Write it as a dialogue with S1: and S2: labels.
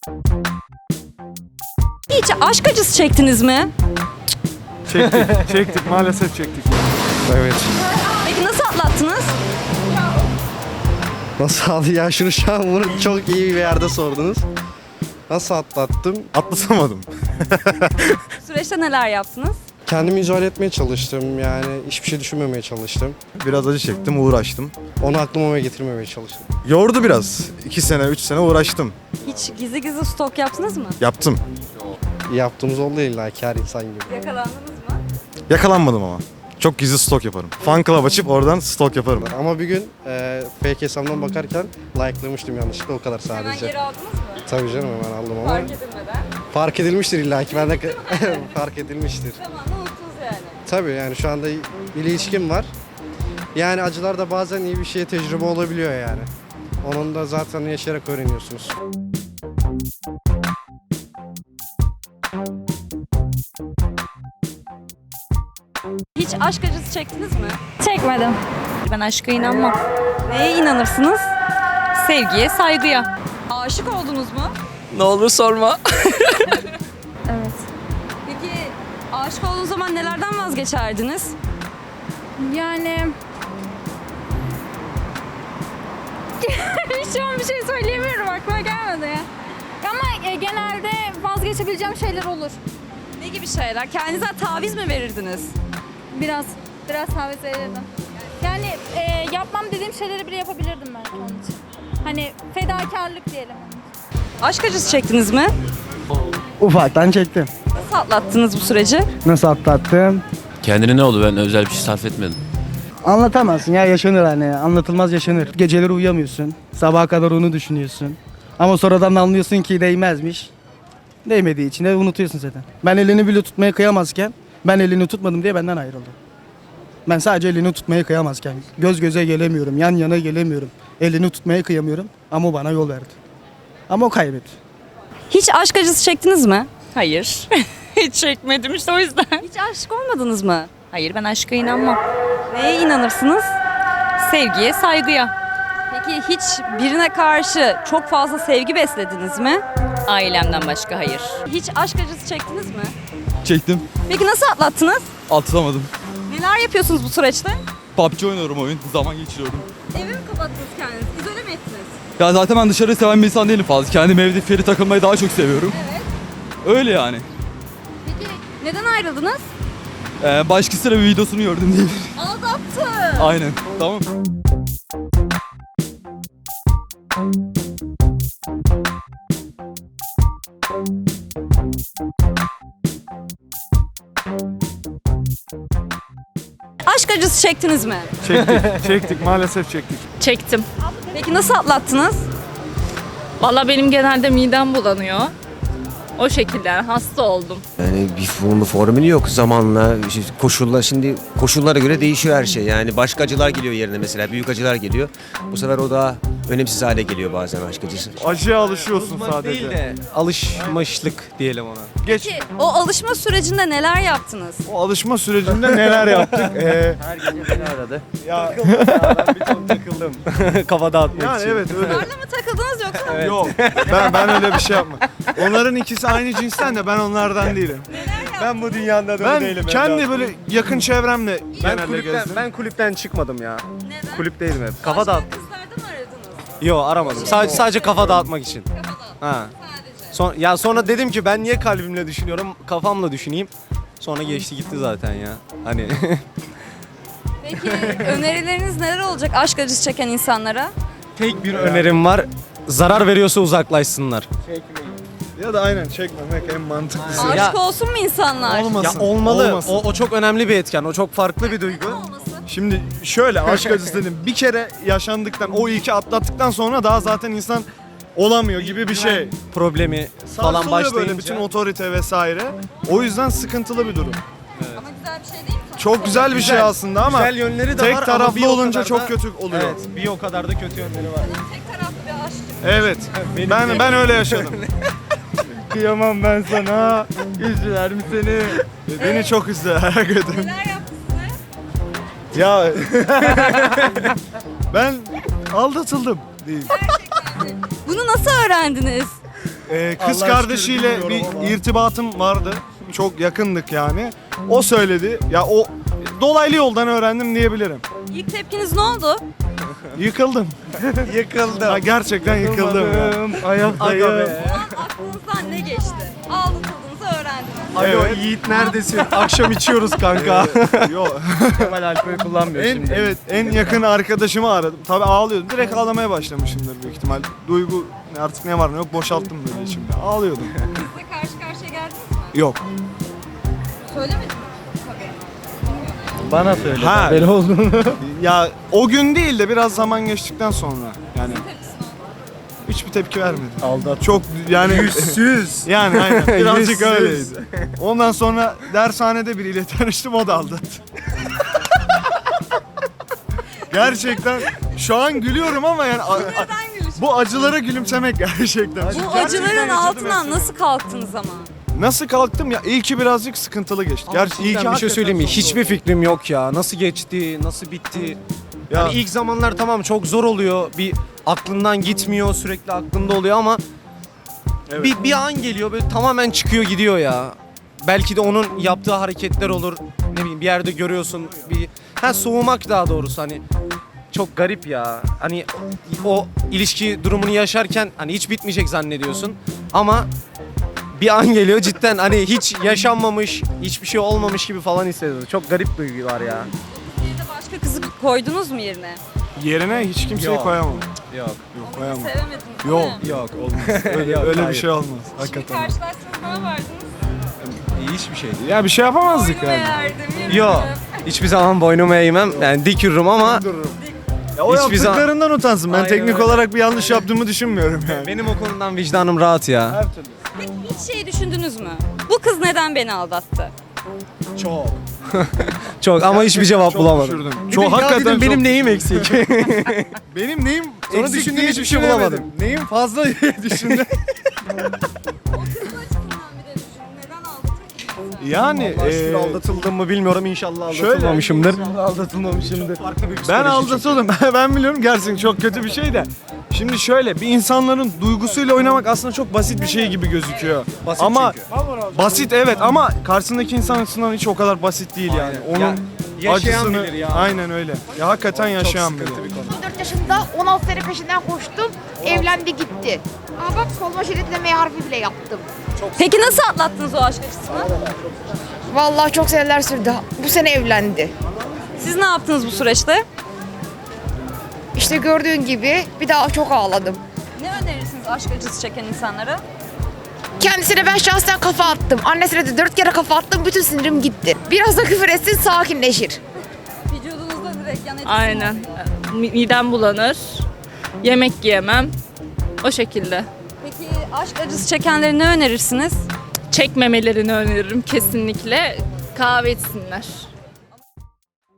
S1: Hiç aşk acısı çektiniz mi?
S2: Çektik maalesef çektik. Evet.
S1: Peki nasıl atlattınız?
S3: Nasıl aldı ya şunu şu an bunu çok iyi bir yerde sordunuz. Nasıl atlattım?
S2: Atlatamadım.
S1: Süreçte neler yaptınız?
S3: Kendimi izole etmeye çalıştım yani hiçbir şey düşünmemeye çalıştım.
S2: Biraz acı çektim, uğraştım.
S3: Onu aklıma getirmemeye çalıştım.
S2: Yordu biraz. 2 sene, 3 sene uğraştım.
S1: Hiç gizli gizli stok yaptınız mı?
S2: Yaptım.
S3: Yaptığımız oldu illa ki her insan gibi.
S1: Yakalandınız mı?
S2: Yakalanmadım ama. Çok gizli stok yaparım. Fan club açıp oradan stok yaparım.
S3: Ama bir gün fake hesabımdan bakarken like'lamıştım yanlışlıkla o kadar
S1: Hemen
S3: sadece.
S1: geri aldınız mı?
S3: Tabii canım hemen aldım ama.
S1: Fark edilmeden.
S3: Fark edilmiştir illa ki ben de fark edilmiştir.
S1: Zamanla unuttunuz yani.
S3: Tabii yani şu anda bir ilişkim var. Yani acılar da bazen iyi bir şeye tecrübe olabiliyor yani. Onun da zaten yaşayarak öğreniyorsunuz.
S1: Hiç aşk acısı çektiniz mi?
S4: Çekmedim.
S5: Ben aşka inanmam.
S1: Neye inanırsınız?
S5: Sevgiye, saygıya.
S1: Aşık oldunuz mu?
S5: Ne olur sorma.
S4: Evet.
S1: Peki aşık olduğunuz zaman nelerden vazgeçerdiniz?
S4: Yani... Şu an bir şey söyleyemiyorum, aklıma gelmedi ya. Ama genelde vazgeçebileceğim şeyler olur.
S1: Ne gibi şeyler? Kendinize taviz mi verirdiniz?
S4: Biraz taviz verirdim. Yani yapmam dediğim şeyleri bile yapabilirdim ben onun için. Hani fedakarlık diyelim.
S1: Aşk acısı çektiniz mi?
S6: Ufaktan çektim.
S1: Nasıl atlattınız bu süreci?
S6: Nasıl atlattım?
S7: Kendine ne oldu? Ben özel bir şey sarf etmedim.
S6: Anlatamazsın ya, yaşanır hani, anlatılmaz yaşanır. Geceleri uyuyamıyorsun, sabaha kadar onu düşünüyorsun. Ama sonradan anlıyorsun ki değmezmiş. Değmediği için de unutuyorsun zaten. Ben elini bile tutmaya kıyamazken, ben elini tutmadım diye benden ayrıldı. Ben sadece elini tutmaya kıyamazken, göz göze gelemiyorum, yan yana gelemiyorum. Elini tutmaya kıyamıyorum ama o bana yol verdi. Ama o kaybetti.
S1: Hiç aşk acısı çektiniz mi?
S5: Hayır. Hiç çekmedim işte o yüzden.
S1: Hiç aşık olmadınız mı?
S5: Hayır, ben aşka inanmam.
S1: Neye inanırsınız?
S5: Sevgiye, saygıya.
S1: Peki hiç birine karşı çok fazla sevgi beslediniz mi?
S5: Ailemden başka hayır.
S1: Hiç aşk acısı çektiniz mi?
S8: Çektim.
S1: Peki nasıl atlattınız?
S8: Atılamadım.
S1: Neler yapıyorsunuz bu süreçte?
S8: PUBG oynuyorum, oyun. Zaman geçiriyorum.
S1: Eve mi kapattınız kendinizi? İzole mi ettiniz?
S8: Ya zaten ben dışarı seven bir insan değilim fazla. Kendim evde feri takılmayı daha çok seviyorum.
S1: Evet.
S8: Öyle yani.
S1: Peki neden ayrıldınız?
S8: Başkasıyla bir videosunu gördüm diye.
S1: Aldattı.
S8: Aynen. Tamam.
S1: Aşk acısı çektiniz mi?
S2: Çektik maalesef çektik.
S5: Çektim.
S1: Peki nasıl atlattınız?
S5: Valla benim genelde midem bulanıyor. O şekilde yani hasta oldum.
S9: Yani bir formülü yok zamanla, işte şimdi koşullara göre değişiyor her şey. Yani başka acılar geliyor yerine, mesela büyük acılar geliyor. Bu sefer o daha önemsiz hale geliyor bazen aşk acısı.
S2: Acıya alışıyorsun sadece.
S3: Alışmışlık diyelim ona.
S2: Geç.
S1: Peki o alışma sürecinde neler yaptınız?
S2: O alışma sürecinde neler yaptık?
S9: Her gece beni aradı.
S2: Ya
S3: Ben bir çok takıldım. Kafa dağıtmak
S2: yani evet öyle.
S1: Onlarla mı takıldınız yoksa?
S2: Yok. Ben öyle bir şey yapmam. Onların ikisi aynı cinsten de ben onlardan değilim.
S3: Ben bu dünyada da
S2: Ben
S3: değilim.
S2: kendi böyle yakın çevremle genelde gezdim.
S3: Ben kulüpten çıkmadım ya.
S1: Neden?
S3: Kulüpteydim hep. Kafa
S1: Başka
S3: dağıt.
S1: kızlarda mı aradınız?
S3: Yo aramadım. Sadece kafa dağıtmak için. Ha.
S1: Sadece.
S3: Sonra dedim ki ben niye kalbimle düşünüyorum, kafamla düşüneyim. Sonra geçti gitti zaten ya. Hani
S1: Peki önerileriniz neler olacak aşk acısı çeken insanlara?
S3: tek bir önerim var. Zarar veriyorsa uzaklaşsınlar.
S2: Ya da aynen çekmemek en mantıklısı.
S1: Aşık olsun mu insanlar?
S2: Olmasın.
S3: Ya olmalı.
S2: Olmasın.
S3: O çok önemli bir etken. O çok farklı bir duygu.
S1: Olmasın.
S2: Şimdi şöyle aşk acısı dedim. Bir kere yaşandıktan, o ilki atlattıktan sonra daha zaten insan olamıyor gibi bir şey.
S3: Problemi falan
S2: Sarsılıyor
S3: başlayınca.
S2: böyle bütün otorite vesaire. O yüzden sıkıntılı bir durum.
S1: Ama güzel bir şey değil mi?
S2: Çok güzel bir şey aslında ama
S3: güzel yönleri de
S2: tek
S3: var ama
S2: taraflı
S3: bir o
S2: olunca
S3: kadar
S2: çok
S3: da-
S2: kötü oluyor.
S3: Evet, bir o kadar da kötü yönleri var.
S1: Tek taraflı bir aşk.
S2: Evet. Ben öyle yaşadım.
S3: Kıyamam ben sana. Üzüler mi seni?
S2: Beni çok üzdü her gün.
S1: Neler yaptı size?
S2: Ya ben aldatıldım diyeyim.
S1: Bunu nasıl öğrendiniz?
S2: Kız
S6: Allah
S2: kardeşiyle
S6: aşkına
S2: bir
S6: bilmiyorum ama.
S2: irtibatım vardı. Çok yakındık yani. O söyledi. Ya o dolaylı yoldan öğrendim diyebilirim.
S1: İlk tepkiniz ne oldu?
S2: Yıkıldım.
S6: Yıkıldım.
S2: Ha, gerçekten yıkıldım. ya.
S6: Ayaktayım.
S1: O an aklınızdan ne geçti? Aldatıldığınızı öğrendiniz.
S6: Alo
S2: Evet.
S6: Yiğit neredesin? Akşam içiyoruz kanka.
S2: Yok.
S6: Kemal alkol kullanmıyor şimdi.
S2: Evet, en yakın arkadaşımı aradım. Tabii ağlıyordum. Direkt ağlamaya başlamışımdır büyük ihtimal. Duygu artık ne var ne yok boşalttım böyle içimde. Ağlıyordum.
S1: Sizle karşı karşıya geldiniz mi?
S2: Yok.
S1: Söylemedin mi?
S6: Bana söyle.
S2: Ha.
S6: Böyle olduğunu.
S2: Ya o gün değil de biraz zaman geçtikten sonra yani hiçbir tepki vermedi.
S6: Aldat.
S2: Çok yani
S6: Yüzsüz.
S2: yani aynen birazcık
S6: Yüzsüz.
S2: öyleydi. Ondan sonra dershanede biriyle tanıştım, o da aldattı. Gerçekten şu an gülüyorum ama yani
S1: Neden gülüş?
S2: bu acılara gülümsemek gerçekten.
S1: Bu acıların altından nasıl kalktınız ama?
S2: Nasıl kalktım ya? İyi ki birazcık sıkıntılı geçti. Gerçi iyi ki
S3: bir şey söyleyeyim mi?
S2: hakikaten
S3: Hiçbir fikrim yok ya. Nasıl geçti, nasıl bitti?
S2: Ya-
S3: Yani ilk zamanlar tamam çok zor oluyor. Bir aklından gitmiyor, sürekli aklında oluyor ama
S2: Evet.
S3: bir an geliyor böyle tamamen çıkıyor gidiyor ya. Belki de onun yaptığı hareketler olur. Ne bileyim bir yerde görüyorsun soğumak daha doğrusu hani çok garip ya. Hani o ilişki durumunu yaşarken hani hiç bitmeyecek zannediyorsun ama bir an geliyor cidden hani hiç yaşanmamış, hiçbir şey olmamış gibi falan hissediyorsun. Çok garip duygular ya.
S1: Bir de başka kızı koydunuz mu yerine?
S2: yerine hiç kimseyi
S3: Yok.
S2: koyamam.
S3: Yok.
S2: Yok koyamam.
S1: Sevemediniz değil
S2: Yok
S1: mi?
S3: Yok olmaz.
S2: Öyle bir
S3: hayır.
S2: şey olmaz.
S1: Şimdi
S2: Hakikaten.
S1: karşılaştınız ne yapardınız?
S3: Hiçbir şey değil.
S2: Ya bir şey yapamazdık
S1: Boynumu
S2: yani.
S1: eğerdim, yürürdüm.
S3: Yok. Hiçbir zaman boynumu eğmem. Yani dik yürürüm ama
S2: Ya o
S3: Hiçbir zaman-
S2: yaptıklarından utansın. Ben
S3: Aynen
S2: teknik
S3: öyle.
S2: olarak bir yanlış yaptığımı düşünmüyorum yani.
S3: benim o konudan vicdanım rahat ya.
S1: Peki hiç şey düşündünüz mü? Bu kız neden beni aldattı?
S2: Çok.
S3: Çok ama hiçbir cevap bulamadım.
S2: Düşürdüm.
S3: Çok
S2: Çok
S3: hakikaten
S2: hakikaten
S3: benim
S2: çok.
S3: neyim eksik?
S2: Benim neyim
S3: Sonra
S2: eksik
S3: düşündüm,
S2: diye
S3: hiçbir şey
S2: düşünemedim.
S3: bulamadım.
S2: Neyim fazla diye düşündüm.
S1: O kızın açısından bir de düşünün. Neden aldatır ki?
S2: Yani
S3: Şükür aldatıldım mı bilmiyorum inşallah
S2: şöyle-
S3: aldatılmamışımdır.
S6: Aldatılmamışımdır.
S3: Farklı bir
S2: ben
S3: psikoloji
S2: aldatıldım. Ben biliyorum gerçekten çok kötü bir şey de. Şimdi şöyle bir insanların duygusuyla oynamak aslında çok basit bir şey gibi gözüküyor.
S3: Basit
S2: ama
S3: çünkü.
S2: basit evet ama karşısındaki insan açısından hiç o kadar basit değil yani.
S3: Aynen.
S2: Onun
S3: Ya, yaşayan
S2: acısını
S3: bilir ya.
S2: aynen öyle. Ya hakikaten yaşayan bilir.
S10: 14 yaşında 16 sene peşinden koştum. Evlendi gitti. Aa bak koluma şeritleme harfi bile yaptım.
S1: Peki nasıl atlattınız o aşk acısını?
S10: Vallahi çok seneler sürdü. Bu sene evlendi.
S1: Siz ne yaptınız bu süreçte?
S10: İşte gördüğün gibi bir daha çok ağladım.
S1: Ne önerirsiniz aşk acısı çeken insanlara?
S10: Kendisine ben şahsen kafa attım. Annesine de 4 kere kafa attım. Bütün sinirim gitti. Biraz da küfür etsin sakinleşir.
S1: Vücudunuzda direkt yan etkisi
S5: Aynen.
S1: oldu.
S5: Midem bulanır. Yemek yiyemem. O şekilde.
S1: Peki aşk acısı çekenlere ne önerirsiniz?
S5: Çekmemelerini öneririm kesinlikle. Kahve içsinler.